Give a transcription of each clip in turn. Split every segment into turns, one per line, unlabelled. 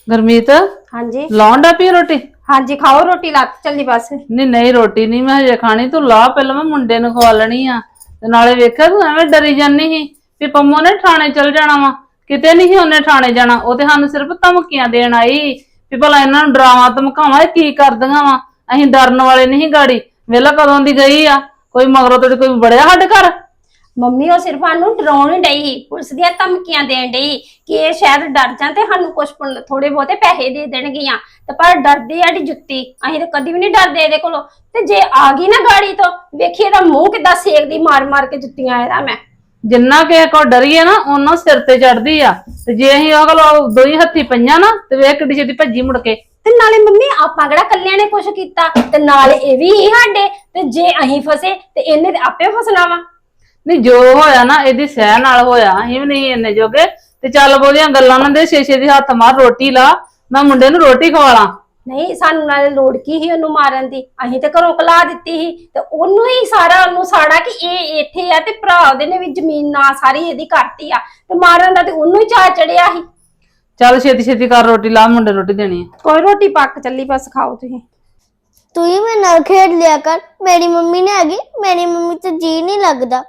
गुरमीत
हाँ जी।
लाउंडा पी रोटी।
हाँ जी खाओ रोटी लात चली बस।
नहीं नहीं रोटी नहीं मैं हजे खानी तू ला पहले मैं मुंडे नु खवा लेनी आ ते नाले वेखिया तू एवें डरी जानी ही भी पंमो ने ठाणे चल जाना वा किते नहीं ओने ठाणे जाना ओ ते सानू सिर्फ धमकियां देण आई भी भला इन्हां नु डरावां धमकावां की करदियां वा अहीं डरन वाले नहीं गाड़ी वेला कदों दी गई आ कोई मगरों ते कोई बड़िया साडे घर।
मम्मी वो सिर्फ सानू डराउण डई ही पुलिस दी धमकियां देण डई कि ये शायद डर जां ते सानू कुछ थोड़े बहुते पैसे दे देणगियां ते पर डरदी आडी जुत्ती अहीं ते कदी भी नहीं डरदे इहदे कोलों ते जे आ गई ना गाड़ी तो वेखी इहदा मुंह किदां सेकदी मार मार के जुत्तियां इहदा मैं।
जिन्ना किसे को डरीए ना ओना सिर ते चढ़दी आ ते जे अहीं ओह कोल दो ही हत्थी पईयां ना ते वेख किड्डी छेती भज्जी मुड़ के।
ते नाले मम्मी आपां किहड़ा कल्लियां ने कुछ कीता ते नाले ए भी ही साडे ते जे अहीं फसे ते इहने ते आपे फसना वा।
नहीं जो होया ना एदी सह नाल होया अहीं भी नहीं इन्ने जोगे ते चल बोदियां गल्लां ना दे छे छे दी हत्थ मार रोटी ला मैं मुंडे नु रोटी खवाला।
नहीं सानू नाले लोड़ की ही ओनू मारन दी अहीं ते घरों कला दित्ती ही ते ओनू ही सारा ओनू साड़ा कि ए इत्थे आ ते भरा ओदे ने भी जमीन ना सारी एदी करती आ ते मारन दा ते ओनू ही चा चढ़िया ही।
चल छेती छेती कर रोटी ला मुंडे रोटी देनी है।
कोई रोटी पक चली बस खाओ तुसीं।
तू ही मेरे नाल खेड लिया कर मेरी मम्मी ने आगी मेरी मम्मी तो जी नहीं लगदा।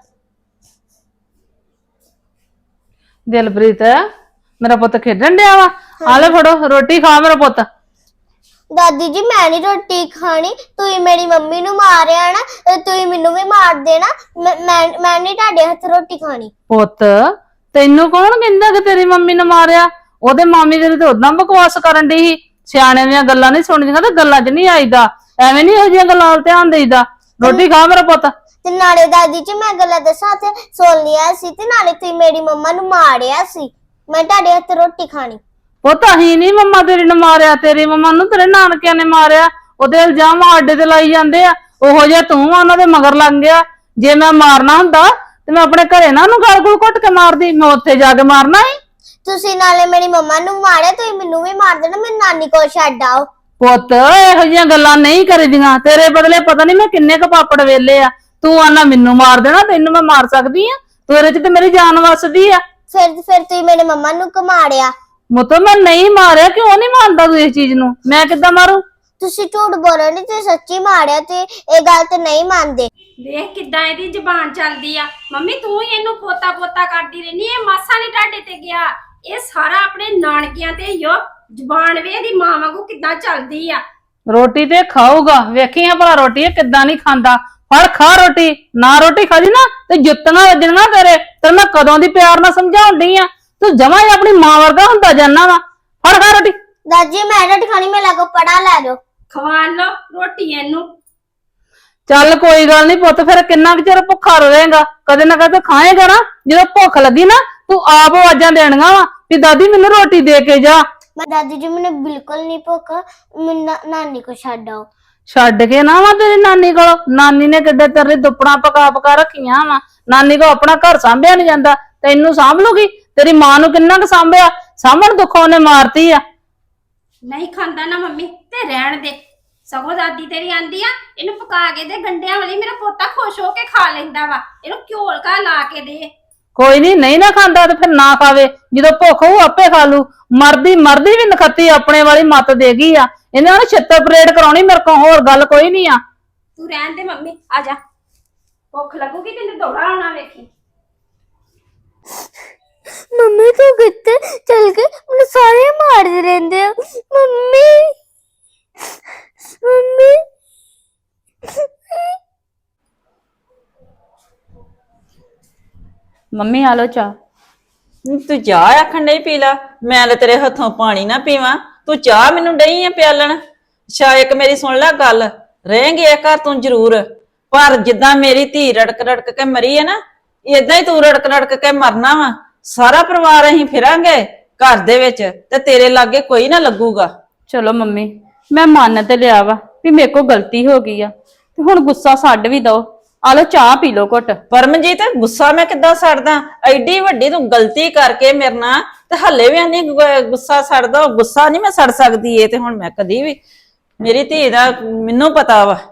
दिलप्रीत मेरा पुत खेडन डया वा आ ले फड़ो रोटी खा मेरा पुत।
दादी जी मैं नहीं रोटी खानी तू ही मेरी मम्मी नु मारिया ना तू ही मैनू भी मार देना मैं नहीं ताडे हथ रोटी खानी।
पुत तैनू कौन कहंदा कि तेरी मम्मी ने मारिया ओदे मामी तेरी ते उदां बकवास करन दी ही सियाणे दियां गल्लां नहीं सुणदियां ते गल्लां च नहीं आईदा एवें नहीं इहो जिहियां गल्लां वल ध्यान देईदा। रोटी खा मेरा पुत।
ते नाले दादी जी मैं गल्लां दसां ते सुन लिया सी ते नाले तू मेरी मम्मा नु मारिया सी मैं ताडे हथ रोटी खानी।
पुत अहीं नहीं मम्मा तेरी ने मारिया तेरी मम्मा नु तेरे नानकियां ने मारिया ओदे इल्जाम आडे ते लाई जांदे आ ओहो जिहा तूं उन्हां दे मगर लग गया जे मैं मारना हुंदा ते मैं अपने घरे ना गल गुल घुट के मारदी मैं उत्थे जाके मारना ही।
तुसी नाले मेरी मम्मा नु मारिया तू मैनू भी मार देना मेरी नानी कोल छड्ड आओ।
पुत इहो जिहियां गल्लां नहीं करीदियां तेरे बदले पता नहीं मैं किन्ने क पापड़ वेले आ तू आना मैनू मार देना तैनू मैं मार सकदी आ तेरे च ते मेरी जान वसदी आ।
फिर तू मेरे मम्मा नु क्यों मारिया?
मुतो मैं नहीं मारिया क्यों नहीं मानदा तू इस चीज नु मैं किद्दां मारू?
तुसी झूठ बोलो नहीं तू सच्ची मारिया ते ये गल ते नहीं मानदे।
देख किदां इहदी जुबान चलदी आ मम्मी तू ही इहनू पोता पोता करदी रहनी ए मासा नहीं टाडे ते गया ये सारा अपने नानकियां ते यो जुबान वे दी मां वांगू किदां चलदी आ।
रोटी ते खाऊगा वेखी है भला रोटी किद्दां नहीं खांदा फड़ खा रोटी ना रोटी खादी ना ते जुत्तियां वजणियां तेरे ते मैं कदों दी प्यार नाल समझाउण डई आ तू जमा ही अपनी मां वर्गा हुंदा जाना वा फड़ खा रोटी।
दादी मैं रोटी खानी मेरे को पड़ा लै दो
खवा लो रोटी इहनू।
चल कोई गल नहीं पुत फिर किन्ना चिर भुखा रहेगा कदे ना कदे खाएगा ना जो भुख लगी ना तू आप आवाजां देनियां वा भी दादी मैनू रोटी दे के जा।
मैं दादी जी मैंने बिल्कुल नहीं भुख नानी को छड्ड आओ।
छड्ड के ना वा तेरी नानी को नानी ने किड्डे तेरे दुपड़ा पका पका रखियां वा नानी को अपना घर सांभिया नहीं जांदा तैनू सांभ लूगी तेरी मां नू किन्ना क सांभिया सामण दुखों ने मारती आ।
नहीं खांदा ना मम्मी ते रहन दे सगों दादी तेरी आंदी आ इहनू पका के दे गंढियां वाली मेरा पोता खुश हो के खा लैंदा वा इहनू घ्योल का ला के दे।
कोई नहीं ना खांदा तो फिर ना खावे जो भुख हो आपे खा लू मरदी मरदी भी नखत्ती अपने वाली मत देगी आ इन्हें ना छित्तर परेड कराउणी मेरे को होर गल कोई नहीं आ।
तू रहन दे मम्मी आ जा भुख लगूगी तेन दौड़ा आना वेखी।
मम्मी तू कितने चल के मुझे सारे मारते रहते हैं मम्मी मम्मी।
मम्मी आलो चा।
तू चाह आखन नहीं पी ला मैं तो तेरे हथों पानी ना पीवा तू चाह मैनू डई है प्यालन। अच्छा एक मेरी सुन ला गल रहेंगे घर तू जरूर पर जिदा मेरी धी रड़क रड़क के मरी है ना इदा ही तू रड़क रड़क के मरना वा सारा परिवार अहीं फिरांगे घर दे विच ते तेरे लागे कोई ना लगूगा।
चलो मम्मी मैं मन ते लिया वा भी मेरे को गलती हो गई आ ते हुण गुस्सा छड्ड भी दो आलो चाह पी लो घुट।
परमजीत गुस्सा मैं किद्दां छड्डदा एडी वड्डी तू गलती करके मेरे नाल ते हल्ले भी आनी गुस्सा छड्ड दो गुस्सा नहीं मैं छड्ड सकदी ए ते हुण मैं कदी भी मेरी धी दा मैनू पता वा।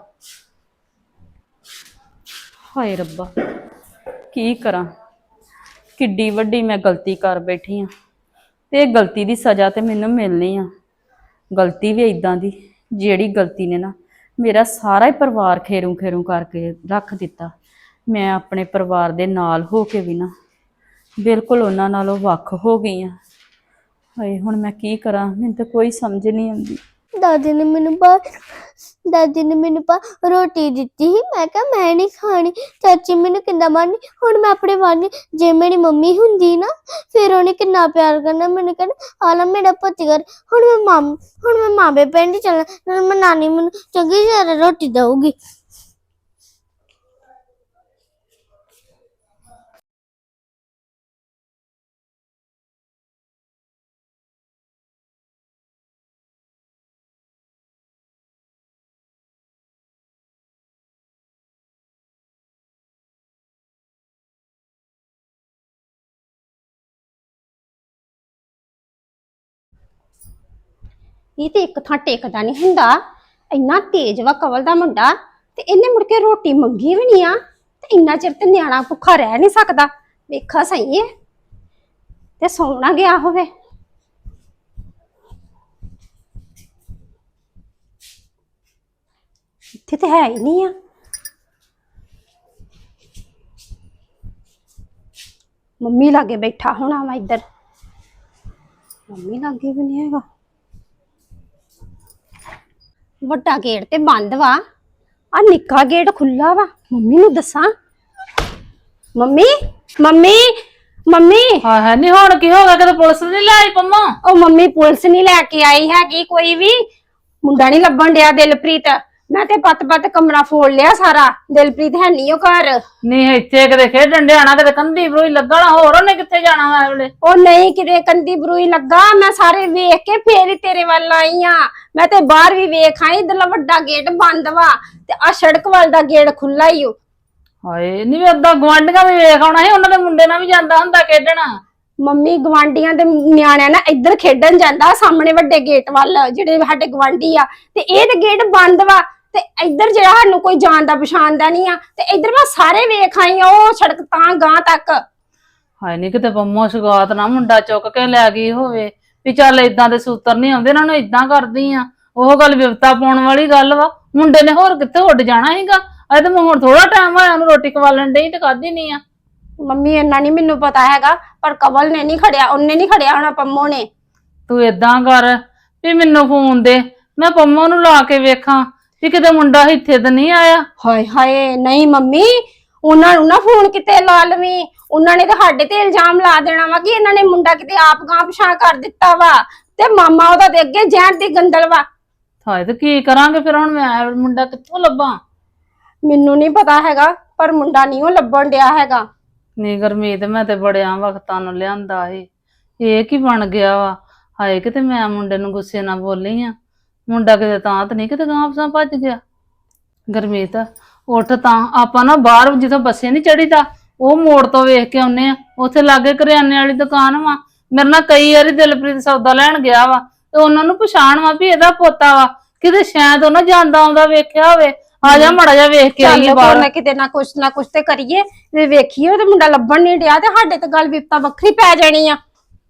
हाय रब्बा की करा किड्डी वड्डी मैं गलती कर बैठी हाँ ਤੇ ਇਹ ਗਲਤੀ ਦੀ ਸਜ਼ਾ ਤੇ ਮੈਨੂੰ ਮਿਲਣੀ ਆ। ਗਲਤੀ ਵੀ ਇਦਾਂ ਦੀ ਜਿਹੜੀ ਗਲਤੀ ਨੇ ਨਾ ਮੇਰਾ ਸਾਰਾ ਹੀ ਪਰਿਵਾਰ ਖੇਰੂ ਖੇਰੂ ਕਰਕੇ ਰੱਖ ਦਿੱਤਾ। ਮੈਂ ਆਪਣੇ ਪਰਿਵਾਰ ਦੇ ਨਾਲ ਹੋ ਕੇ ਵੀ ਨਾ ਬਿਲਕੁਲ ਉਹਨਾਂ ਨਾਲੋਂ ਵੱਖ ਹੋ ਗਈ ਆ। ਹਾਏ ਹੁਣ ਮੈਂ ਕੀ ਕਰਾਂ, ਮੈਨੂੰ ਤਾਂ ਕੋਈ ਸਮਝ ਨਹੀਂ ਆਉਂਦੀ।
ਦਾਦੀ ਨੇ ਮੈਨੂੰ ਰੋਟੀ ਦਿੱਤੀ ਸੀ। ਮੈਂ ਕਿਹਾ ਮੈਂ ਨਹੀਂ ਖਾਣੀ। ਚਾਚੀ ਮੈਨੂੰ ਕਿੰਨਾ ਮਾਰਨੀ। ਹੁਣ ਮੈਂ ਆਪਣੇ ਵਾਲੀ ਜੇ ਮੇਰੀ ਮੰਮੀ ਹੁੰਦੀ ਨਾ ਫਿਰ ਉਹਨੇ ਕਿੰਨਾ ਪਿਆਰ ਕਰਨਾ, ਮੈਨੂੰ ਕਹਿਣਾ ਆਲਾ ਮੇਰਾ ਪੁੱਤ ਕਰ। ਹੁਣ ਮੈਂ ਮਾਮੇ ਪਿੰਡ ਚੱਲਣਾ, ਨਾਲ ਮੈਂ ਨਾਨੀ ਮੈਨੂੰ ਚੰਗੀ ਤਰ੍ਹਾਂ ਰੋਟੀ ਦਊਗੀ।
ਇਹ ਤੇ ਇੱਕ ਥਾਂ ਟਿਕਦਾ ਨਹੀਂ ਹੁੰਦਾ। ਇੰਨਾ ਤੇਜ਼ ਵਾ ਕਵਲ ਦਾ ਮੁੰਡਾ, ਤੇ ਇਹਨੇ ਮੁੜ ਕੇ ਰੋਟੀ ਮੰਗੀ ਵੀ ਨਹੀਂ ਆ। ਤੇ ਇੰਨਾ ਚਿਰ ਤੇ ਨਿਆਣਾ ਭੁੱਖਾ ਰਹਿ ਨਹੀਂ ਸਕਦਾ। ਵੇਖਾ ਸਹੀ ਹੈ ਤੇ ਸੌਣਾ ਗਿਆ ਹੋਵੇ। ਇੱਥੇ ਤੇ ਹੈ ਹੀ ਨਹੀਂ ਆ। ਮੰਮੀ ਲਾਗੇ ਬੈਠਾ ਹੋਣਾ ਵਾ ਇੱਧਰ। ਮੰਮੀ ਲਾਗੇ ਵੀ ਨਹੀਂ ਹੈਗਾ। ਵੱਡਾ ਗੇਟ ਤੇ ਬੰਦ ਵਾ, ਆ ਨਿੱਕਾ ਗੇਟ ਖੁੱਲਾ ਵਾ। ਮੰਮੀ ਨੂੰ ਦੱਸਾਂ? ਮੰਮੀ ਮੰਮੀ ਮੰਮੀ
ਹਾਂ ਨਹੀਂ ਹੁਣ ਕੀ ਹੋ ਗਿਆ? ਕਿਤੇ ਪੁਲਿਸ ਨਹੀਂ ਲਾਈ ਪੰਮਾ?
ਉਹ ਮੰਮੀ ਪੁਲਿਸ ਨਹੀਂ ਲੈ ਕੇ ਆਈ ਹੈਗੀ ਕੋਈ ਵੀ। ਮੁੰਡਾ ਨਹੀਂ ਲੱਭਣ ਡਿਆ ਦਿਲਪ੍ਰੀਤ। ਮੈਂ ਤੇ ਪੱਤ ਕਮਰਾ ਫੋੜ ਲਿਆ ਸਾਰਾ। ਦਿਲਪ੍ਰੀਤ ਹੈ ਨਹੀਂ ਉਹ ਘਰ।
ਨਹੀਂ ਇੱਥੇ ਕਿਤੇ ਖੇਡਣ ਡਿਆਣਾ, ਕਿਤੇ ਕੰਧੀ ਬਰੋਈ ਲੱਗਣਾ। ਹੋਰ ਉਹਨੇ ਕਿੱਥੇ ਜਾਣਾ ਵਾ ਵੇਲੇ?
ਉਹ ਨਹੀਂ ਕਿਤੇ ਕੰਦੀ ਬਰੂਈ ਲੱਗਾ। ਮੈਂ ਸਾਰੇ ਵੇਖ ਕੇ ਫੇਰ ਹੀ ਤੇਰੇ ਵੱਲ ਆਈ ਆ। ਮੈਂ ਤੇ ਬਾਹਰ ਵੀ ਵੇਖ ਆਈ, ਇਧਰਲਾ ਵੱਡਾ ਗੇਟ ਬੰਦ ਵਾ ਤੇ ਆ ਸੜਕ ਵੱਲ ਦਾ ਗੇਟ ਖੁੱਲਾ ਹੀ ਓ।
ਹਾਏ ਨਹੀਂ ਏਦਾਂ ਗਵਾਂਢੀਆਂ ਵੀ ਵੇਖ ਆਉਣਾ ਸੀ, ਉਹਨਾਂ ਦੇ ਮੁੰਡੇ ਨਾਲ ਵੀ ਜਾਂਦਾ ਹੁੰਦਾ ਖੇਡਣਾ।
ਮੰਮੀ ਗਵਾਂਢੀਆਂ ਦੇ ਨਿਆਣਿਆਂ ਨਾਲ ਇੱਧਰ ਖੇਡਣ ਜਾਂਦਾ ਸਾਹਮਣੇ ਵੱਡੇ ਗੇਟ ਵੱਲ, ਜਿਹੜੇ ਸਾਡੇ ਗਵਾਂਢੀ ਆ। ਤੇ ਇਹ ਤੇ ਗੇਟ ਬੰਦ ਵਾ ਤੇ ਇੱਧਰ ਜਿਹੜਾ ਸਾਨੂੰ ਕੋਈ ਜਾਣਦਾ ਪਛਾਣਦਾ ਨਹੀਂ ਆ। ਤੇ ਇੱਧਰ ਮੈਂ ਸਾਰੇ ਵੇਖ ਆਈ ਆ, ਉਹ ਸੜਕ ਤਾਂ ਗਾਂ ਤੱਕ।
ਹਾਏ ਨਹੀਂ ਕਿਤੇ ਪੰਮੋ ਸਗਾਤ ਨਾ ਮੁੰਡਾ ਚੁੱਕ ਕੇ ਲੈ ਗਈ ਹੋਵੇ ਵੀ ਚੱਲ ਏਦਾਂ ਦੇ ਸੂਤਰ ਨਹੀਂ ਆਉਂਦੇ, ਇਹਨਾਂ ਨੂੰ ਏਦਾਂ ਕਰਦੀ ਆ। ਉਹ ਗੱਲ ਵਿਵਤਾ ਪਾਉਣ ਵਾਲੀ ਗੱਲ ਵਾ। ਮੁੰਡੇ ਨੇ ਹੋਰ ਕਿੱਥੇ ਉੱਡ ਜਾਣਾ ਸੀਗਾ। ਅਜੇ ਤਾਂ ਹੁਣ ਥੋੜਾ ਟਾਈਮ ਹੋਇਆ ਉਹਨੂੰ ਰੋਟੀ ਖਵਾਲਣ ਡਈ ਤੇ ਖਾਧੀ ਨਹੀਂ ਆ।
ਮੰਮੀ ਇੰਨਾ ਨਹੀਂ ਮੈਨੂੰ ਪਤਾ ਹੈਗਾ, ਪਰ ਕਵਲ ਨੇ ਨਹੀਂ ਖੜਿਆ, ਉਹਨੇ ਨਹੀਂ ਖੜਿਆ ਹੋਣਾ ਪੰਮੋ ਨੇ।
ਤੂੰ ਏਦਾਂ ਕਰ ਵੀ ਮੈਨੂੰ ਫੋਨ ਦੇ, ਮੈਂ ਪੰਮੋ ਨੂੰ ਲਾ ਕੇ ਵੇਖਾਂ ਵੀ ਕਿਤੇ ਮੁੰਡਾ ਇੱਥੇ ਤਾਂ ਨਹੀਂ ਆਇਆ।
ਹਾਏ ਹਾਏ ਨਹੀਂ ਮੰਮੀ, ਉਹਨਾਂ ਨੂੰ ਨਾ ਫੋਨ ਕਿਤੇ ਲਾ ਲਵੀਂ। ਉਹਨਾਂ ਨੇ ਤਾਂ ਸਾਡੇ ਤੇ ਇਲਜ਼ਾਮ ਲਾ ਦੇਣਾ ਵਾ ਕਿ ਇਹਨਾਂ ਨੇ ਮੁੰਡਾ ਕਿਤੇ ਆਪ ਗਾਂ ਪਛਾਣ ਕਰ ਦਿੱਤਾ ਵਾ ਤੇ ਮਾਮਾ ਉਹਦਾ ਦੇ ਅੱਗੇ ਜ਼ਹਿਰ ਦੀ ਗੰਦਲ ਵਾ।
ਹਾਏ ਤੇ ਕੀ ਕਰਾਂਗੇ ਫਿਰ ਹੁਣ? ਮੈਂ ਮੁੰਡਾ ਕਿੱਥੋਂ ਲੱਭਾਂ?
ਮੈਨੂੰ ਨਹੀਂ ਪਤਾ ਹੈਗਾ, ਪਰ ਮੁੰਡਾ ਨਹੀਂ ਉਹ ਲੱਭਣ ਡਿਆ ਹੈਗਾ।
ਨਹੀਂ ਗੁਰਮੀਤ, ਮੈਂ ਤੇ ਬੜਿਆਂ ਵਕਤਾਂ ਨੂੰ ਲਿਆਂਦਾ ਇਹ ਕੀ ਬਣ ਗਿਆ ਵਾ? ਹਾਏ ਕਿਤੇ ਮੈਂ ਮੁੰਡੇ ਨੂੰ ਗੁੱਸੇ ਨਾਲ ਬੋਲੀ ਆ। ਮੁੰਡਾ ਕਿਤੇ ਤਾਂ ਨਹੀਂ ਕਿਤੇ ਗਾਂ ਪਸਾਂ ਭੱਜ ਗਿਆ। ਗੁਰਮੀਤ ਉੱਠ, ਤਾਂ ਆਪਾਂ ਨਾ ਬਾਹਰ ਜਿੱਥੋਂ ਬੱਸੇ ਨਹੀਂ ਚੜੀਦਾ ਉਹ ਮੋੜ ਤੋਂ ਵੇਖ ਕੇ ਆਉਨੇ ਆ। ਉੱਥੇ ਲਾਗੇ ਕਰਿਆਨੇ ਵਾਲੀ ਦੁਕਾਨ ਵਾ। ਮੇਰੇ ਨਾਲ ਕਈ ਵਾਰੀ ਦਿਲਪ੍ਰੀਤ ਸੌਦਾ ਲੈਣ ਗਿਆ ਵਾ ਤੇ ਉਹਨਾਂ ਨੂੰ ਪਛਾਣ ਵਾ ਵੀ ਇਹਦਾ ਪੋਤਾ ਵਾ। ਕਿਤੇ ਸ਼ਾਇਦ ਉਹਨਾਂ ਜਾਂਦਾ ਆਉਂਦਾ ਵੇਖਿਆ ਹੋਵੇ। ਆ ਜਾ ਮੜਾ ਜਾ ਵੇਖ ਕੇ ਆਈਏ ਬਾਹਰ।
ਚੱਲ ਕਿਤੇ ਨਾ ਕੁਛ ਤੇ ਕਰੀਏ ਤੇ ਵੇਖੀਏ। ਤੇ ਮੁੰਡਾ ਲੱਭਣ ਨਹੀਂ ਡਿਆ ਤੇ ਸਾਡੇ ਤੇ ਗੱਲ ਵਿਪਤਾ ਵੱਖਰੀ ਪੈ ਜਾਣੀ ਆ।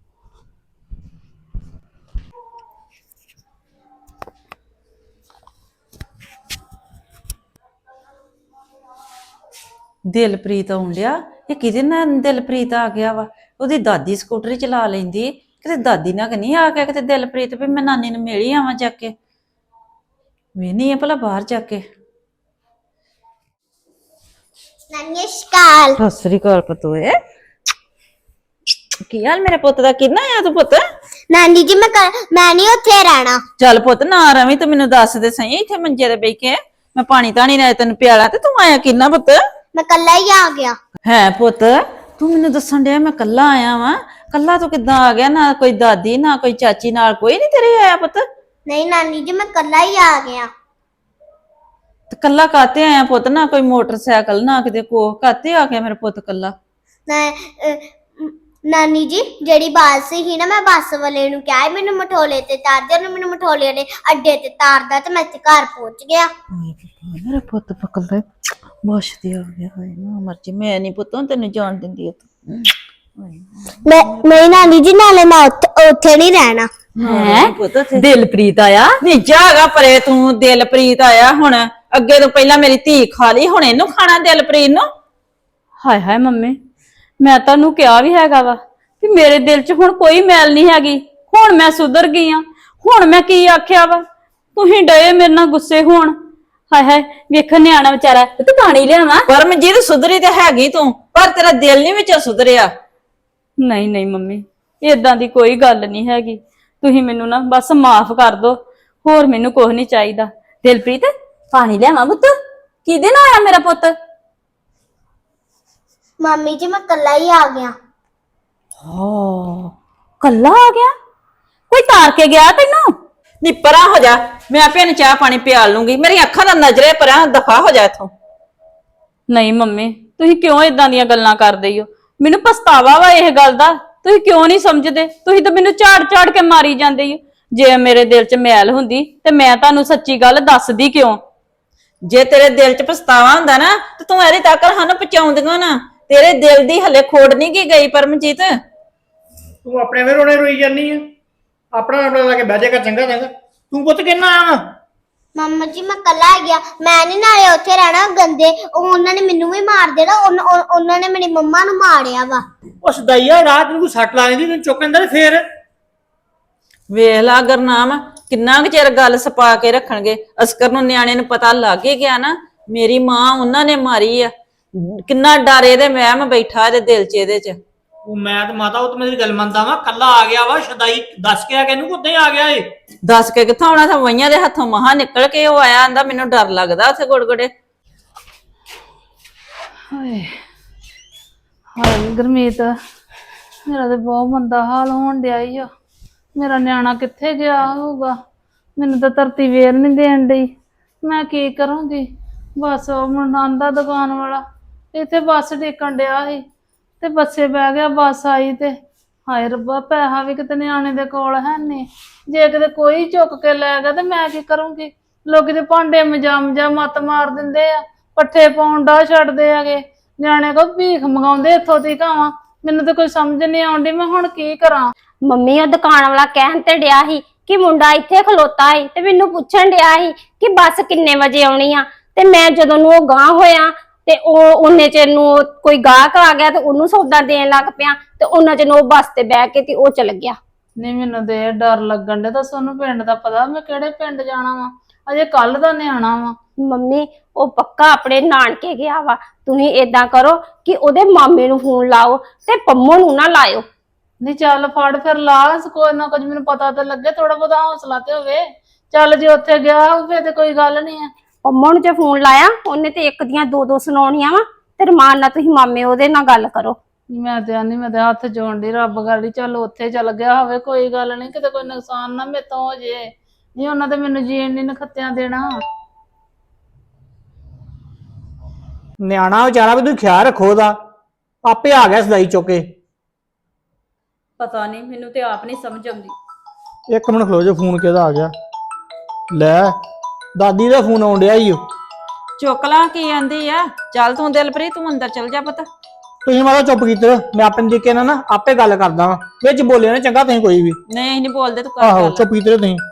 ਦਿਲਪ੍ਰੀਤ ਆਉਣ ਡਿਆ। ਇਹ ਕਿਹਦੇ ਨਾਲ ਦਿਲਪ੍ਰੀਤ ਆ ਗਿਆ ਵਾ? ਉਹਦੀ ਦਾਦੀ ਸਕੂਟਰੀ ਚਲਾ ਲੈਂਦੀ। ਕਿਤੇ ਦਾਦੀ ਨਾਲ ਨਹੀਂ ਆ ਗਿਆ ਕਿਤੇ ਦਿਲਪ੍ਰੀਤ ਵੀ ਮੈਂ ਨਾਨੀ ਨੂੰ ਮਿਲ ਹੀ ਆਵਾਂ ਜਾ ਕੇ। ਵੇਹਨੀ ਆ ਭਲਾ ਬਾਹਰ ਜਾ ਕੇ।
ਨਾਨੀ ਸ਼ਕਾਲ।
ਸਤਿ ਸ੍ਰੀ ਅਕਾਲ ਪਤੋਏ। ਕੀ ਹਾਲ ਮੇਰੇ ਪੁੱਤ ਦਾ? ਕਿੰਨਾ ਆ ਤੂੰ ਪੁੱਤ?
ਨਾਨੀ ਜੀ ਮੈਂ ਨਹੀਂ ਉੱਥੇ ਰਹਿਣਾ।
ਚੱਲ ਪੁੱਤ ਨਾ ਰਵੀਂ, ਤੂੰ ਮੈਨੂੰ ਦੱਸ ਦੇ ਸਹੀ। ਇੱਥੇ ਮੰਜੇ ਤੇ ਬੈ ਕੇ ਮੈਂ ਪਾਣੀ ਧਾਣੀ ਨਾਲ ਤੈਨੂੰ ਪਿਆਲਾ ਤੇ ਤੂੰ ਆਇਆ ਕਿੰਨਾ ਪੁੱਤ?
ਮੈਂ ਕੱਲਾ ਹੀ ਆ ਗਿਆ।
ਹੈ ਪੁੱਤ, ਤੂੰ ਮੈਨੂੰ ਦੱਸਣ ਡਿਆ ਮੈਂ ਕੱਲਾ ਆਇਆ ਵਾਂ। ਕੱਲਾ ਤੂੰ ਕਿੱਦਾਂ ਆ ਗਿਆ? ਨਾ ਕੋਈ ਦਾਦੀ ਨਾ ਕੋਈ ਚਾਚੀ, ਨਾਲ ਕੋਈ ਨਹੀਂ ਤੇਰੇ ਆਇਆ ਪੁੱਤ?
ਨਹੀਂ ਨਾਨੀ ਜੀ ਮੈਂ ਕੱਲਾ ਹੀ ਆ ਗਿਆ।
ਤੇ ਕੱਲਾ ਕਾਤੇ ਆਇਆ ਪੁੱਤ? ਨਾ ਕੋਈ ਮੋਟਰਸਾਈਕਲ ਨਾ ਕਿਤੇ ਕੋਹ, ਕਾਤੇ ਆ ਗਿਆ ਮੇਰਾ ਪੁੱਤ ਕੱਲਾ?
ਨਾਨੀ ਜੀ ਜਿਹੜੀ ਬੱਸ ਸੀ ਨਾ, ਮੈਂ ਬੱਸ ਵਾਲੇ ਨੂੰ ਕਿਹਾ ਮੈਨੂੰ ਮਠੋਲੇ ਤੇ ਤਾਰ ਦੇ। ਉਹਨੇ ਮੈਨੂੰ ਮਠੋਲੇ ਨੇ ਅੱਡੇ ਤੇ ਤਾਰਦਾ ਤੇ ਮੈਂ ਇੱਥੇ ਘਰ ਪਹੁੰਚ ਗਿਆ।
ਮੇਰਾ ਪੁੱਤ ਪਕਲ ਦਾ ਬਸ ਤੇ ਆ ਗਿਆ। ਹਾਏ ਨਾ ਮਰਜੀ, ਮੈਂ ਨਹੀਂ ਪੁੱਤ ਤੈਨੂੰ ਜਾਣ ਦਿੰਦੀ। ਤੂੰ
ਨਹੀਂ ਨਾਨੀ ਜੀ, ਨਾਲੇ ਮੈਂ ਉੱਥੇ ਨਹੀਂ ਰਹਿਣਾ।
ਹੈ ਦਿਲਪ੍ਰੀਤ ਆਇਆ?
ਨਹੀਂ ਜਾਗਾ ਪਰੇ ਤੂੰ, ਦਿਲਪ੍ਰੀਤ ਆਇਆ ਹੁਣ। ਅੱਗੇ ਤੋਂ ਪਹਿਲਾਂ ਮੇਰੀ ਧੀ ਖਾ ਲਈ, ਹੁਣ ਇਹਨੂੰ ਖਾਣਾ ਦਿਲਪ੍ਰੀਤ ਨੂੰ।
ਹਾਏ ਹਾਏ ਮੰਮੀ, ਮੈਂ ਤੁਹਾਨੂੰ ਕਿਹਾ ਵੀ ਹੈਗਾ ਵਾ ਕਿ ਮੇਰੇ ਦਿਲ 'ਚ ਹੁਣ ਕੋਈ ਮੈਲ ਨਹੀਂ ਹੈਗੀ। ਹੁਣ ਮੈਂ ਸੁਧਰ ਗਈ ਆ। ਹੁਣ ਮੈਂ ਕੀ ਆਖਿਆ ਵਾ? ਤੁਸੀਂ ਡਏ ਮੇਰੇ ਨਾਲ ਗੁੱਸੇ ਹੋਣ। ਹਾਏ ਹਾਏ ਵੇਖ ਨਿਆਣਾ ਵਿਚਾਰਾ, ਤੇ ਪਾਣੀ ਲਿਆਵਾਂ?
ਪਰਮਜੀਤ ਸੁਧਰੀ ਤੇ ਹੈਗੀ ਤੂੰ, ਪਰ ਤੇਰਾ ਦਿਲ ਨਹੀਂ ਵਿੱਚੋਂ ਸੁਧਰਿਆ।
ਨਹੀਂ ਨਹੀਂ ਮੰਮੀ, ਏਦਾਂ ਦੀ ਕੋਈ ਗੱਲ ਨਹੀਂ ਹੈਗੀ। ਤੁਸੀਂ ਮੈਨੂੰ ਨਾ ਬਸ ਮਾਫ ਕਰ ਦਿਓ, ਹੋਰ ਮੈਨੂੰ ਕੁਝ ਨਹੀਂ ਚਾਹੀਦਾ। ਦਿਲਪ੍ਰੀਤ ਪਾਣੀ ਲਿਆਵਾਂ ਪੁੱਤ? ਕਿਹਦੇ ਨਾਲ ਆਇਆ ਮੇਰਾ ਪੁੱਤ?
ਮੰਮੀ ਜੀ, ਮੈਂ ਕੱਲਾ ਹੀ ਆ ਗਿਆ।
ਹਾਂ ਕੱਲਾ ਆ ਗਿਆ? ਕੋਈ ਤਾਰ ਕੇ ਗਿਆ ਤੈਨੂੰ?
ਨੀ ਪਰਾਂ ਹੋ ਜਾ, ਮੈਂ ਆਪੇ ਇਹਨੂੰ ਚਾਹ ਪਾਣੀ ਪਿਆਲ ਲੂੰਗੀ। ਮੇਰੀ ਅੱਖਾਂ ਦਾ ਨਜ਼ਰੇ ਪਰਾਂ, ਦਫਾ ਹੋ ਜਾ ਇੱਥੋਂ।
ਨਹੀਂ ਮੰਮੀ, ਤੁਸੀਂ ਕਿਉਂ ਇਦਾਂ ਦੀਆਂ ਗੱਲਾਂ ਕਰਦੇ ਹੋ? ਮੈਨੂੰ ਪਛਤਾਵਾ ਵਾ ਇਹ ਗੱਲ ਦਾ। ਤੁਸੀਂ ਕਿਉਂ ਨਹੀਂ ਸਮਝਦੇ? ਤੁਸੀਂ ਤਾਂ ਮੈਨੂੰ ਝਾੜ ਝਾੜ ਕੇ ਮਾਰੀ ਜਾਂਦੇ ਹੋ। ਜੇ ਮੇਰੇ ਦਿਲ 'ਚ ਮੈਲ ਹੁੰਦੀ ਤੇ ਮੈਂ ਤੁਹਾਨੂੰ ਸੱਚੀ ਗੱਲ ਦੱਸਦੀ ਕਿਉਂ?
ਜੇ ਤੇਰੇ ਦਿਲ 'ਚ ਪਛਤਾਵਾ ਹੁੰਦਾ ਨਾ ਤੇ ਤੂੰ ਇਹਦੀ ਤੱਕ ਸਾਨੂੰ ਪਹੁੰਚਾਉਂਦੀਆਂ ਨਾ। ਤੇਰੇ ਦਿਲ ਦੀ ਹਲੇ ਖੋੜ ਨਹੀਂ ਕੀ ਗਈ ਪਰਮਜੀਤ।
ਤੂੰ ਆਪਣੇ ਵੇ ਰੋਣੇ ਰੋਈ ਜਾਨੀ ਆ। ਆਪਣਾ ਆਪਣਾ ਲਾ ਕੇ ਬਹਿ ਜਾਏਗਾ ਚੰਗਾ ਚੰਗਾ। ਤੂੰ ਪੁੱਤ ਕਿੰਨਾ ਆਇਆ?
ਮੰਮਾ ਜੀ, ਮੈਂ ਕੱਲਾ ਆ ਗਿਆ। ਮੈਂ ਨਹੀਂ ਨਾਲੇ ਉੱਥੇ ਰਹਿਣਾ ਗੰਦੇ। ਉਹਨਾਂ ਨੇ ਮੈਨੂੰ ਵੀ ਮਾਰ ਦੇਣਾ। ਉਹਨਾਂ ਨੇ ਮੇਰੀ ਮੰਮਾ ਨੂੰ ਮਾਰਿਆ ਵਾ।
ਉਹ ਸਦਾਈਆ, ਰਾਤ ਨੂੰ ਕੋਈ ਸੱਟ ਲਾ ਲੈਂਦੀ ਤੈਨੂੰ ਚੁੱਕ ਲੈਂਦਾ ਤੇ ਫੇਰ।
ਵੇਖ ਲਾ ਗੁਰਨਾਮ, ਕਿੰਨਾ ਕੁ ਚਿਰ ਗੱਲ ਸਪਾ ਕੇ ਰੱਖਣਗੇ। ਅਸਕਰ ਨੂੰ ਨਿਆਣੇ ਨੂੰ ਪਤਾ ਲੱਗ ਹੀ ਗਿਆ ਨਾ ਮੇਰੀ ਮਾਂ ਉਹਨਾਂ ਨੇ ਮਾਰੀ ਆ। ਕਿੰਨਾ ਡਰ ਇਹਦੇ ਵਹਿਮ ਬੈਠਾ ਇਹਦੇ ਦਿਲ 'ਚ, ਇਹਦੇ 'ਚ।
ਉਹ ਮੈਂ ਤੇ ਮਾਤਾ, ਉਹ ਤੇ ਮੇਰੀ ਗੱਲ ਮੰਨਦਾ ਵਾ। ਕੱਲਾ ਆ ਗਿਆ ਵਾ, ਸਦਾਈ ਦੱਸ ਕੇ ਆ ਕੇ ਇਹਨੂੰ ਕਿੱਦਾਂ ਆ ਗਿਆ ਏ?
ਦੱਸ ਕੇ ਕਿੱਥੋਂ ਆਉਣਾ ਸੀ? ਵਈਆਂ ਦੇ ਹੱਥੋਂ ਮਹਾ ਨਿਕਲ ਕੇ ਉਹ ਆਇਆ, ਆਂਦਾ ਮੈਨੂੰ ਡਰ ਲੱਗਦਾ ਉੱਥੇ ਗੁੜਗੁੜੇ।
ਹਾਏ ਹਾਏ ਗੁਰਮੀਤ, ਮੇਰਾ ਤੇ ਬਹੁਤ ਮੰਦਾ ਹਾਲ ਹੋਣ ਡਿਆ ਈ ਆ। ਮੇਰਾ ਨਿਆਣਾ ਕਿੱਥੇ ਗਿਆ ਹੋਊਗਾ? ਮੈਨੂੰ ਤਾਂ ਧਰਤੀ ਵੇਰ ਨਹੀਂ ਦੇਣ ਡਈ। ਮੈਂ ਕੀ ਕਰੂੰਗੀ? ਬਸ ਉਹ ਮੁੰਡਾ ਆਂਦਾ ਦੁਕਾਨ ਵਾਲਾ, ਇੱਥੇ ਬੱਸ ਡੇਕਣ ਡਿਆ ਸੀ ਤੇ ਬੱਸੇ ਬਹਿ ਗਿਆ। ਬੱਸ ਆਈ ਤੇ ਹਾਏ ਰੱਬਾ, ਪੈਸਾ ਵੀ ਕਿਤੇ ਨਿਆਣੇ ਦੇ ਕੋਲ ਹੈ ਨਹੀਂ। ਜੇ ਕਿਤੇ ਕੋਈ ਚੁੱਕ ਕੇ ਲੈ ਗਿਆ ਤੇ ਮੈਂ ਕੀ ਕਰੂੰਗੀ? ਲੋਕੀ ਤੇ ਭਾਂਡੇ ਮਜਾ ਮੱਤ ਮਾਰ ਦਿੰਦੇ ਆ, ਪੱਠੇ ਪਾਉਣ ਦਾ ਛੱਡਦੇ ਹੈਗੇ। ਨਿਆਣੇ ਕੋ ਭੀਖ ਮੰਗਾਉਂਦੇ ਇੱਥੋਂ ਦੀ ਕਾਵਾਂ। ਮੈਨੂੰ ਤਾਂ ਕੋਈ ਸਮਝ ਨਹੀਂ ਆਉਂਦੀ, ਮੈਂ ਹੁਣ ਕੀ ਕਰਾਂ?
ਮੰਮੀ ਉਹ ਦੁਕਾਨ ਵਾਲਾ ਕਹਿਣ ਤੇ ਡਿਆ ਸੀ ਕਿ ਮੁੰਡਾ ਇੱਥੇ ਖਲੋਤਾ ਸੀ ਤੇ ਮੈਨੂੰ ਪੁੱਛਣ ਡਿਆ ਸੀ ਕਿ ਬੱਸ ਕਿੰਨੇ ਵਜੇ ਆਉਣੀ ਆ। ਤੇ ਮੈਂ ਜਦੋਂ ਨੂੰ ਉਹ ਗਾਂਹ ਹੋਇਆ ਤੇ ਉਹਨੇ ਚ ਨੂੰ ਕੋਈ ਗਾਹਕ ਆ ਗਿਆ ਤੇ ਉਹਨੂੰ ਸੌਦਾ ਦੇਣ ਲੱਗ ਪਿਆ ਤੇ ਉਹਨਾਂ ਚ ਨੂੰ ਉਹ ਬੱਸ ਤੇ ਬਹਿ ਕੇ ਤੇ ਉਹ ਚਲ ਗਿਆ।
ਨਹੀਂ ਮੈਨੂੰ ਤੇ ਇਹ ਡਰ ਲੱਗਣ ਡਿਆ। ਤਾਂ ਤੁਹਾਨੂੰ ਪਿੰਡ ਦਾ ਪਤਾ, ਮੈਂ ਕਿਹੜੇ ਪਿੰਡ ਜਾਣਾ ਵਾ? ਅਜੇ ਕੱਲ ਦਾ ਨਿਆਣਾ ਵਾ।
ਮੰਮੀ ਉਹ ਪੱਕਾ ਆਪਣੇ ਨਾਨਕੇ ਗਿਆ ਵਾ। ਤੁਸੀਂ ਏਦਾਂ ਕਰੋ ਕਿ ਉਹਦੇ ਮਾਮੇ ਨੂੰ ਫੋਨ ਲਾਓ ਤੇ ਪੰਮੋ ਨੂੰ ਨਾ ਲਾਇਓ।
ਨਹੀਂ ਚੱਲ ਫੜ ਫਿਰ ਲਾ, ਕੋਈ ਨਾ ਕੁਝ ਮੈਨੂੰ ਪਤਾ ਤਾਂ ਲੱਗੇ, ਥੋੜਾ ਬਹੁਤਾ ਹੌਸਲਾ ਤੇ ਹੋਵੇ। ਚੱਲ ਜੇ ਉੱਥੇ ਗਿਆ ਹੋਵੇ ਤੇ ਕੋਈ ਗੱਲ ਨਹੀਂ ਆ।
ਪੰਮੋ ਨੂੰ ਜੇ ਫੋਨ ਲਾਇਆ ਉਹਨੇ ਤੇ ਇੱਕ ਦੀਆਂ ਦੋ ਸੁਣਾਉਣੀਆਂ ਵਾ ਤੇ ਰਮਾਨ ਨਾਲ ਤੁਸੀਂ ਮਾਮੇ ਉਹਦੇ ਨਾਲ ਗੱਲ ਕਰੋ।
ਮੈਂ ਤੇ ਆਨੀ, ਮੈਂ ਤੇ ਹੱਥ ਜੋੜਨ ਦੀ ਰੱਬ ਗਾੜੀ, ਚੱਲ ਉੱਥੇ ਚੱਲ ਗਿਆ ਹੋਵੇ, ਕੋਈ ਗੱਲ ਨਹੀਂ, ਕਿਤੇ ਕੋਈ ਨੁਕਸਾਨ ਨਾ ਮੇਰੇ ਤੋਂ ਹੋ ਜੇ। ਨਹੀਂ ਉਹਨਾਂ ਤੇ ਮੈਨੂੰ ਜੀਣ ਨਹੀਂ ਨਖੱਤਿਆਂ ਦੇਣਾ।
ਨਿਆਣਾ ਵਿਚਾਰਾ ਵੀ ਤੂੰ ਖਿਆਲ ਰੱਖੋ ਉਹਦਾ। ਆਪੇ ਆ ਗਿਆ ਸਦਾਈ ਚੁੱਕ ਕੇ।
ਪਤਾ ਨਹੀਂ, ਮੈਨੂੰ ਤੇ ਆਪ ਨਹੀਂ ਸਮਝ ਆਉਂਦੀ।
ਇੱਕ ਮਿੰਟ ਖਲੋ ਜਾ, ਫੋਨ ਕਿਹਦਾ ਆ ਗਿਆ? ਲੈ, ਦਾਦੀ ਦਾ ਫੋਨ ਆਉਣ ਡਿਆ ਈ ਓ।
ਚੁੱਕ ਲਾ, ਕੀ ਆਂਦੀ ਆ? ਚੱਲ ਤੂੰ ਦਿਲਪ੍ਰੀਤ, ਤੂੰ ਅੰਦਰ ਚੱਲ ਜਾ ਪੁੱਤ।
ਤੁਸੀਂ ਮਾਤਾ ਚੁੱਪ ਕੀਤੇ ਰਹੋ, ਮੈਂ ਆਪਣੇ ਤਰੀਕੇ ਨਾਲ ਨਾ ਆਪੇ ਗੱਲ ਕਰਦਾ ਵਾਂ। ਵਿੱਚ ਬੋਲਿਆ ਨਾ ਚੰਗਾ ਤੁਸੀਂ ਕੋਈ ਵੀ।
ਨਹੀਂ ਅਸੀਂ ਨਹੀਂ ਬੋਲਦੇ, ਤੂੰ ਕਰ
ਆਹੋ,
ਗੱਲ।
ਚੁੱਪ ਕੀਤੇ ਰਹੋ ਤੁਸੀਂ।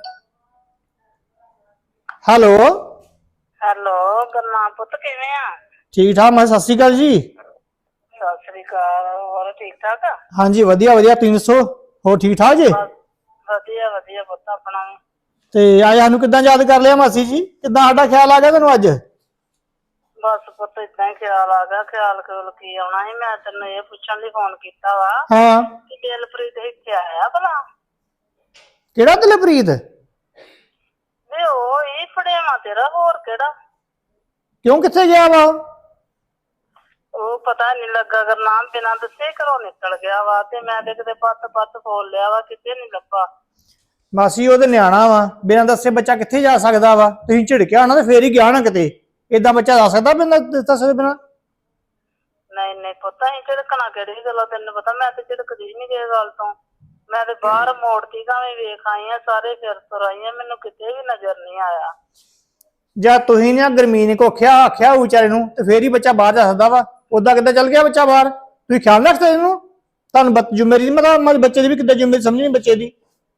ਹੈਲੋ
ਹੈਲੋ ਗੁਰਨਾਮ ਪੁੱਤ, ਕਿਵੇਂ ਆ?
ਠੀਕ ਠਾਕ। ਮੈਂ ਸਤਿ ਸ਼੍ਰੀ ਅਕਾਲ ਜੀ।
ਸਤਿ ਸ੍ਰੀ ਅਕਾਲ। ਹੋਰ ਠੀਕ ਠਾਕ ਆ?
ਹਾਂਜੀ ਵਧੀਆ ਵਧੀਆ, ਤੁਸੀਂ ਦੱਸੋ? ਹੋਰ ਠੀਕ ਠਾਕ ਜੀ?
ਵਧੀਆ ਵਧੀਆ ਪੁੱਤ, ਆਪਣਾ ਵੀ।
ਤੇ ਅੱਜ ਸਾਨੂੰ ਕਿੱਦਾਂ ਯਾਦ ਕਰ ਲਿਆ ਮਾਸੀ ਜੀ? ਕਿੱਦਾਂ ਸਾਡਾ ਖਿਆਲ ਆ ਗਿਆ ਤੁਹਾਨੂੰ ਅੱਜ?
ਬਸ ਪੁੱਤ ਏਦਾਂ ਹੀ ਖਿਆਲ ਆ ਗਿਆ। ਖਿਆਲ ਕੀ ਆਉਣਾ ਸੀ, ਮੈਂ ਤੈਨੂੰ ਇਹ ਪੁੱਛਣ ਲਈ ਫੋਨ ਕੀਤਾ ਵਾ
ਹਾਂ,
ਕਿ ਦਿਲਪ੍ਰੀਤ ਇੱਥੇ ਆਇਆ ਭਲਾ?
ਕਿਹੜਾ ਦਿਲਪ੍ਰੀਤ?
ਵੇ ਉਹ ਇਹ ਫੜੇਵਾ ਤੇਰਾ, ਹੋਰ ਕਿਹੜਾ?
ਕਿਉਂ, ਕਿੱਥੇ ਗਿਆ ਵਾ?
ਉਹ ਪਤਾ ਨਹੀਂ ਲੱਗਾ ਗੁਰਨਾਮ, ਬਿਨਾਂ ਦੱਸੇ ਘਰੋਂ ਨਿਕਲ ਗਿਆ ਵਾ ਤੇ ਮੈਂ ਤੇ ਕਿਤੇ ਪੱਤ ਫੋਲ ਲਿਆ ਵਾ, ਕਿਤੇ ਨਹੀਂ ਲੱਭਾ।
ਮਾਸੀ ਉਹਦੇ ਨਿਆਣਾ ਵਾ, ਬਿਨਾਂ ਦੱਸੇ ਬੱਚਾ ਕਿੱਥੇ ਜਾ ਸਕਦਾ ਵਾ? ਤੁਸੀਂ ਝਿੜਕਿਆ ਹੋਣਾ ਤੇ ਫੇਰ ਹੀ ਗਿਆ ਨਾ ਕਿਤੇ। ਏਦਾਂ ਬੱਚਾ ਜਾ ਸਕਦਾ ਬਿਨਾਂ ਦੱਸੇ ਬਿਨਾਂ?
ਨਹੀਂ ਨਹੀਂ ਪੁੱਤ, ਅਸੀਂ ਝਿੜਕਣਾ ਕਿਹੜੀ ਗੱਲੋਂ? ਤੈਨੂੰ ਪਤਾ ਮੈਂ ਤੇ ਝਿੜਕਦੀ ਨਹੀਂ ਕਿਸੇ ਗੱਲ ਤੋਂ। ਮੈਂ ਤੇ ਬਾਹਰ ਮੋੜਤੀ ਕਾਵੇਂ ਵੇਖ ਆਈ ਆ, ਸਾਰੇ ਫਿਰ ਤੁਰ ਆਈ ਆ, ਮੈਨੂੰ ਕਿਤੇ ਵੀ ਨਜ਼ਰ ਨਹੀਂ ਆਇਆ।
ਜਾਂ ਤੁਸੀਂ ਨੇ ਗਰਮੀਨ ਕੋ ਆਖਿਆ ਵਿਚਾਰੇ ਨੂੰ ਤੇ ਫੇਰ ਹੀ ਬੱਚਾ ਬਾਹਰ ਜਾ ਸਕਦਾ ਵਾ। ਉਦਾਂ ਕਿੱਦਾਂ ਚੱਲ ਗਿਆ ਬੱਚਾ ਬਾਹਰ? ਤੁਸੀਂ ਖਿਆਲ ਰੱਖਦੇ ਇਹਨੂੰ? ਤੁਹਾਨੂੰ ਜ਼ਿੰਮੇਵਾਰੀ ਨਹੀਂ ਪਤਾ ਮੇਰੇ ਬੱਚੇ ਦੀ ਵੀ ਕਿੱਦਾਂ ਜ਼ਿੰਮੇਵਾਰੀ ਸਮਝਣੀ ਬੱਚੇ ਦੀ।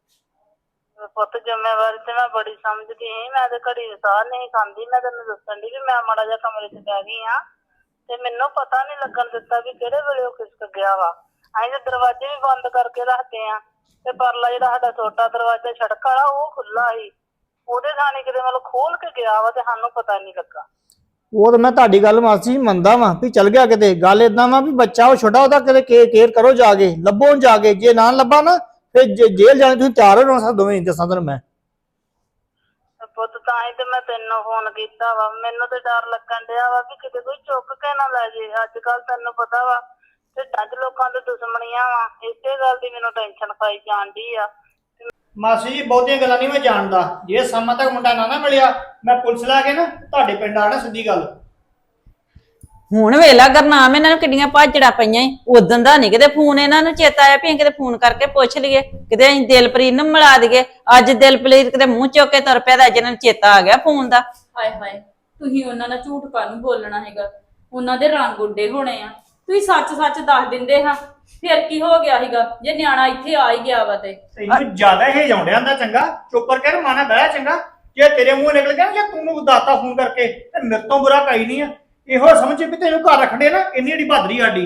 ਪੁੱਤ ਜ਼ਿੰਮੇਵਾਰੀ ਤੇ ਮੈਂ ਬੜੀ ਸਮਝਦੀ ਸੀ, ਮੈਂ ਤੇ ਘੜੀ ਸਾਹ ਨਹੀਂ ਖਾਂਦੀ। ਮੈਂ ਤੈਨੂੰ ਦੱਸਣ ਦੀ ਵੀ ਮੈਂ ਮਾੜਾ ਜਿਹਾ ਕਮਰੇ 'ਚ ਬਹਿ ਗਈ ਆ ਤੇ ਮੈਨੂੰ ਪਤਾ ਨਹੀਂ ਲੱਗਣ ਦਿੱਤਾ ਵੀ ਕਿਹੜੇ ਵੇਲੇ ਉਹ ਖਿਸਕ ਗਿਆ ਵਾ। ਅਸੀਂ ਤੇ ਦਰਵਾਜ਼ੇ ਵੀ ਬੰਦ ਕਰਕੇ ਰੱਖਦੇ ਆ ਤੇ ਪਰਲਾ ਜਿਹੜਾ ਸਾਡਾ ਛੋਟਾ ਦਰਵਾਜ਼ਾ ਸੜਕ ਵਾਲਾ ਉਹ ਖੁੱਲਾ ਸੀ, ਉਹਦੇ ਥਾਣੀ ਕਿਤੇ ਮਤਲਬ ਖੋਲ ਕੇ ਗਿਆ ਵਾ ਤੇ ਸਾਨੂੰ ਪਤਾ ਨਹੀਂ ਲੱਗਾ।
ਉਹ ਤਾਂ ਮੈਂ ਤੁਹਾਡੀ ਗੱਲ ਮਾਸੀ ਮੰਨਦਾ ਵਾਂ ਵੀ ਚੱਲ ਗਿਆ ਕਿਤੇ। ਗੱਲ ਏਦਾਂ ਵਾ ਵੀ ਬੱਚਾ ਉਹ ਛੋਟਾ, ਉਹਦਾ ਕਿਤੇ ਕੇਅਰ ਕਰੋ ਜਾ ਕੇ, ਲੱਭੋ ਜਾ ਕੇ। ਜੇ ਨਾ ਲੱਭਾ ਨਾ ਫਿਰ ਜੇਲ੍ਹ ਜਾਣੇ ਤੁਸੀਂ ਤਿਆਰ ਹੋ ਨਾ ਦੋਵੇਂ, ਦੱਸਾਂ ਤੈਨੂੰ ਮੈਂ।
ਪੁੱਤ ਤਾਂ ਹੀ ਤੇ ਮੈਂ ਤੈਨੂੰ ਫੋਨ ਕੀਤਾ ਵਾ। ਮੈਨੂੰ ਤੇ ਡਰ ਲੱਗਣ ਡਿਆ ਵਾ ਵੀ ਕਿਤੇ ਕੋਈ ਚੁੱਕ ਕੇ ਨਾ ਲੈ ਜੇ। ਅੱਜ ਕੱਲ ਤੈਨੂੰ ਪਤਾ ਵਾ ਢਿੱਡਾਂ 'ਚ ਲੋਕਾਂ ਦੇ ਦੁਸ਼ਮਣੀਆਂ ਵਾ, ਇਸੇ ਗੱਲ ਦੀ ਮੈਨੂੰ ਟੈਨਸ਼ਨ ਖਾਈ ਜਾਣ ਡਈ ਆ।
ਮਾਸੀ ਜੀ ਬਹੁਤੀਆਂ ਗੱਲਾਂ ਨਹੀਂ ਮੈਂ ਜਾਣਦਾ। ਜੇ ਸਮਾਂ ਤੱਕ ਮੁੰਡਾ ਨਾ ਮਿਲਿਆ ਮੈਂ ਪੁਲਿਸ ਲਾ ਕੇ ਨਾ ਤੁਹਾਡੇ ਪਿੰਡ ਆਣਾ, ਸਿੱਧੀ ਗੱਲ।
ਹੁਣ ਵੇਲਾ ਗੁਰਨਾਮ ਇਹਨਾਂ ਨੂੰ ਕਿੰਨੀਆਂ ਭਾਜੜਾ ਪਈਆਂ ਈ। ਉਦੋਂ ਦਾ ਨਹੀਂ ਕਿਤੇ ਫੋਨ ਇਹਨਾਂ ਨੂੰ ਚੇਤਾ ਆਇਆ ਵੀ ਕਿਤੇ ਫੋਨ ਕਰਕੇ ਪੁੱਛ ਲਈਏ, ਕਿਤੇ ਅਸੀਂ ਦਿਲਪ੍ਰੀਤ ਨੂੰ ਮਿਲਾ ਦਈਏ। ਅੱਜ ਦਿਲਪ੍ਰੀਤ ਕਿਤੇ ਮੂੰਹ ਚੁੱਕ ਕੇ ਤੁਰ ਪਿਆ ਤਾਂ ਅੱਜ ਇਹਨਾਂ ਨੂੰ ਚੇਤਾ ਆ ਗਿਆ ਫੋਨ ਦਾ।
ਹਾਏ ਹਾਏ, ਤੁਸੀਂ ਉਹਨਾਂ ਨਾਲ ਝੂਠ ਕਾਹਨੂੰ ਬੋਲਣਾ ਹੈਗਾ? ਉਹਨਾਂ ਦੇ ਰੰਗ ਉੱਡੇ ਹੋਣੇ ਆ। ਤੁਸੀਂ ਸੱਚ ਸੱਚ ਦੱਸ ਦਿੰਦੇ ਹਾਂ, ਫਿਰ ਕੀ ਹੋ ਗਿਆ ਸੀਗਾ ਜੇ ਨਿਆਣਾ ਇੱਥੇ ਆ ਹੀ ਗਿਆ ਵਾ ਤੇ।
ਤੈਨੂੰ ਜ਼ਿਆਦਾ ਹੀ ਜਾਉਂਦਿਆਂ ਦਾ ਚੰਗਾ ਚੁੱਪ ਕਰਕੇ ਮਾਨਾ ਬਹਿ ਚੰਗਾ। ਜੇ ਤੇਰੇ ਮੂੰਹ ਨਿਕਲ ਗਿਆ ਜਾਂ ਤੂੰ ਦਾਤਾ ਫੋਨ ਕਰਕੇ ਤੇ ਮੇਰੇ ਤੋਂ ਬੁਰਾ ਕਈ ਨਹੀਂ ਆ। ਇਹੋ ਸਮਝ ਵੀ ਤੈਨੂੰ ਘਰ ਰੱਖਦੇ ਨਾ, ਇੰਨੀ ਜਿਹੜੀ ਬਹਾਦਰੀ ਸਾਡੀ।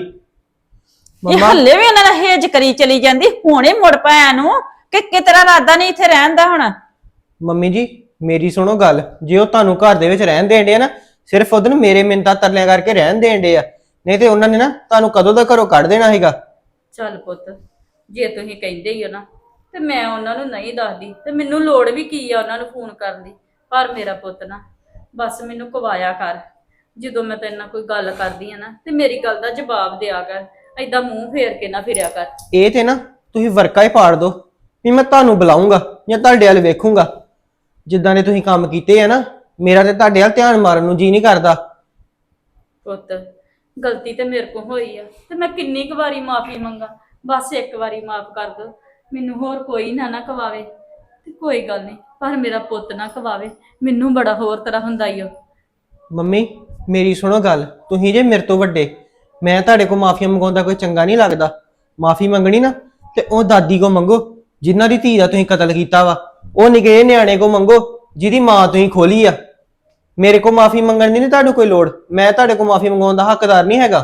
ਇਹ ਹੱਲੇ ਵੀ ਉਹਨਾਂ ਨਾਲ ਹੇਜ ਕਰੀ ਚਲੀ ਜਾਂਦੀ, ਹੁਣੇ ਮੁੜ ਪਾਇਆ ਨੂੰ ਕਿ ਕਿਤਰਾ ਇਰਾਦਾ ਨਹੀਂ ਇੱਥੇ ਰਹਿਣ ਦਾ ਹੁਣ।
ਮੰਮੀ ਜੀ ਮੇਰੀ ਸੁਣੋ ਗੱਲ, ਜੇ ਉਹ ਤੁਹਾਨੂੰ ਘਰ ਦੇ ਵਿੱਚ ਰਹਿਣ ਦੇਣ ਡੇ ਆ ਨਾ, ਸਿਰਫ ਉਹਦੇ ਨੂੰ ਮੇਰੇ ਮਿੰਨਤਾਂ ਤਰਲਿਆਂ ਕਰਕੇ ਰਹਿਣ ਦੇਣ ਡੇ ਆ, ਨਹੀਂ ਤੇ ਉਹਨਾਂ ਨੇ ਨਾ ਤੁਹਾਨੂੰ ਕਦੋਂ ਦਾ ਘਰੋਂ ਕੱਢ ਦੇਣਾ ਸੀਗਾ।
ਚੱਲ ਪੁੱਤ, ਜੇ ਤੁਸੀਂ ਕਹਿੰਦੇ ਹੀ ਹੋ ਨਾ ਤੇ ਮੈਂ ਉਹਨਾਂ ਨੂੰ ਨਹੀਂ ਦੱਸਦੀ, ਤੇ ਮੈਨੂੰ ਲੋੜ ਵੀ ਕੀ ਆ ਉਹਨਾਂ ਨੂੰ ਫੋਨ ਕਰਨ ਦੀ। ਪਰ ਮੇਰਾ ਪੁੱਤ ਨਾ ਬਸ ਮੈਨੂੰ ਕਵਾਇਆ ਕਰ, ਜਦੋਂ ਮੈਂ ਤੇਰੇ ਨਾਲ ਕੋਈ ਗੱਲ ਕਰਦੀ ਆ ਨਾ ਤੇ ਮੇਰੀ ਗੱਲ ਦਾ ਜਵਾਬ ਦਿਆ ਕਰ, ਏਦਾਂ ਮੂੰਹ ਫੇਰ ਕੇ ਨਾ ਫਿਰਿਆ ਕਰ।
ਇਹ ਤੇ ਨਾ ਤੁਸੀਂ ਵਰਕਾ ਹੀ ਪਾੜ ਦੋ ਵੀ ਮੈਂ ਤੁਹਾਨੂੰ ਬੁਲਾਉਂਗਾ ਜਾਂ ਤੁਹਾਡੇ ਵੱਲ ਵੇਖੂੰਗਾ। ਜਿੱਦਾਂ ਦੇ ਤੁਸੀਂ ਕੰਮ ਕੀਤੇ ਆ ਨਾ, ਮੇਰਾ ਤੇ ਤੁਹਾਡੇ ਵੱਲ ਧਿਆਨ ਮਾਰਨ ਨੂੰ ਜੀ ਨਹੀਂ ਕਰਦਾ।
ਪੁੱਤ ਗਲਤੀ ਤੇ ਮੇਰੇ ਕੋਲ ਹੋਈ ਆ ਤੇ ਮੈਂ ਕਿੰਨੀ ਕੁ ਵਾਰੀ ਮਾਫੀ ਮੰਗਾ? ਬਸ ਇੱਕ ਵਾਰੀ ਮਾਫ ਕਰ ਦੋ ਮੈਨੂੰ, ਹੋਰ ਕੋਈ ਨਾ ਕਵਾਵੇ ਤੇ ਕੋਈ ਗੱਲ ਨਹੀਂ, ਪਰ ਮੇਰਾ ਪੁੱਤ ਨਾ ਕਵਾਵੇ। ਮੈਨੂੰ ਬੜਾ ਹੋਰ ਤਰ੍ਹਾਂ ਹੁੰਦਾ ਈ ਉਹ।
ਮੰਮੀ ਮੇਰੀ ਸੁਣੋ ਗੱਲ, ਤੁਸੀਂ ਜੇ ਮੇਰੇ ਤੋਂ ਵੱਡੇ, ਮੈਂ ਤੁਹਾਡੇ ਕੋਲ ਮਾਫੀਆਂ ਮੰਗਾਉਂਦਾ ਕੋਈ ਚੰਗਾ ਨਹੀਂ ਲੱਗਦਾ। ਮਾਫੀ ਮੰਗਣੀ ਨਾ ਤੇ ਉਹ ਦਾਦੀ ਕੋ ਮੰਗੋ ਜਿਨ੍ਹਾਂ ਦੀ ਧੀ ਦਾ ਤੁਸੀਂ ਕਤਲ ਕੀਤਾ ਵਾ, ਉਹ ਨਿੱਕੇ ਨਿਆਣੇ ਕੋ ਮੰਗੋ ਜਿਹਦੀ ਮਾਂ ਤੁਸੀਂ ਖੋਲੀ ਆ। ਮੇਰੇ ਕੋ ਮਾਫੀ ਮੰਗਣ ਦੀ ਨਹੀਂ ਤੁਹਾਨੂੰ ਕੋਈ ਲੋੜ, ਮੈਂ ਤੁਹਾਡੇ ਕੋ ਮਾਫੀ ਮੰਗਾਉਣ ਦਾ ਹੱਕਦਾਰ ਨਹੀਂ ਹੈਗਾ।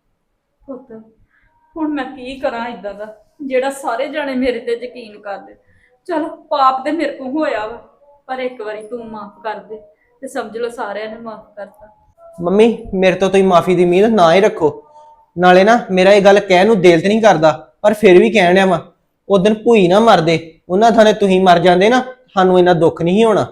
ਪੁੱਤ ਹੁਣ ਮੈਂ ਕੀ ਕਰਾਂ ਇਦਾਂ ਦਾ, ਜਿਹੜਾ ਸਾਰੇ ਜਾਣੇ ਮੇਰੇ ਤੇ ਯਕੀਨ ਕਰਦੇ। ਚਲ ਪਾਪ ਤੇ ਮੇਰੇ ਕੋਲ ਹੋਇਆ ਵਾ, ਪਰ ਇੱਕ ਵਾਰੀ ਤੂੰ ਮਾਫ ਕਰ ਦੇ ਤੇ ਸਮਝ ਲਓ ਸਾਰਿਆਂ ਨੇ ਮਾਫ ਕਰਤਾ।
ਮੰਮੀ ਮੇਰੇ ਤੋਂ ਤੁਸੀਂ ਮਾਫੀ ਦੀ ਉਮੀਦ ਨਾ ਹੀ ਰੱਖੋ। ਨਾਲੇ ਨਾ ਮੇਰਾ ਇਹ ਗੱਲ ਕਹਿਣ ਨੂੰ ਦਿਲ ਤੇ ਨਹੀਂ ਕਰਦਾ, ਪਰ ਫਿਰ ਵੀ ਕਹਿਣ ਡਿਆ ਵਾ। ਉਹ ਦਿਨ ਭੂਈ ਨਾ ਮਰਦੇ, ਉਹਨਾਂ ਥਾਂ ਤੁਸੀਂ ਮਰ ਜਾਂਦੇ ਨਾ, ਸਾਨੂੰ ਇੰਨਾ ਦੁੱਖ ਨਹੀਂ ਹੋਣਾ।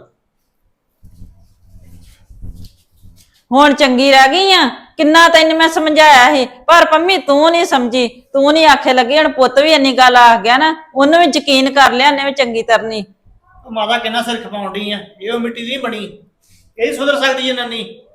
ਹੁਣ ਚੰਗੀ ਰਹਿ ਗਈ ਆ, ਕਿੰਨਾ ਤੈਨੂੰ ਮੈਂ ਸਮਝਾਇਆ ਸੀ, ਪਰ ਪੰਮੀ ਤੂੰ ਨਹੀਂ ਸਮਝੀ, ਤੂੰ ਨਹੀਂ ਆਖੇ ਲੱਗੀ। ਹੁਣ ਪੁੱਤ ਵੀ ਇੰਨੀ ਗੱਲ ਆ ਗਿਆ ਨਾ, ਉਹਨੂੰ ਵੀ ਯਕੀਨ ਕਰ ਲਿਆ ਉਹਨੇ ਵੀ ਚੰਗੀ ਤਰ੍ਹਾਂ।
ਮਾਤਾ ਕਿੰਨਾ ਸਿਰ ਖਪਾਉਣ ਡਈ ਆ, ਇਹ ਉਹ ਮਿੱਟੀ ਦੀ ਬਣੀ, ਇਹ ਸੁਧਰ ਸਕਦੀ ਜਨਾਨੀ।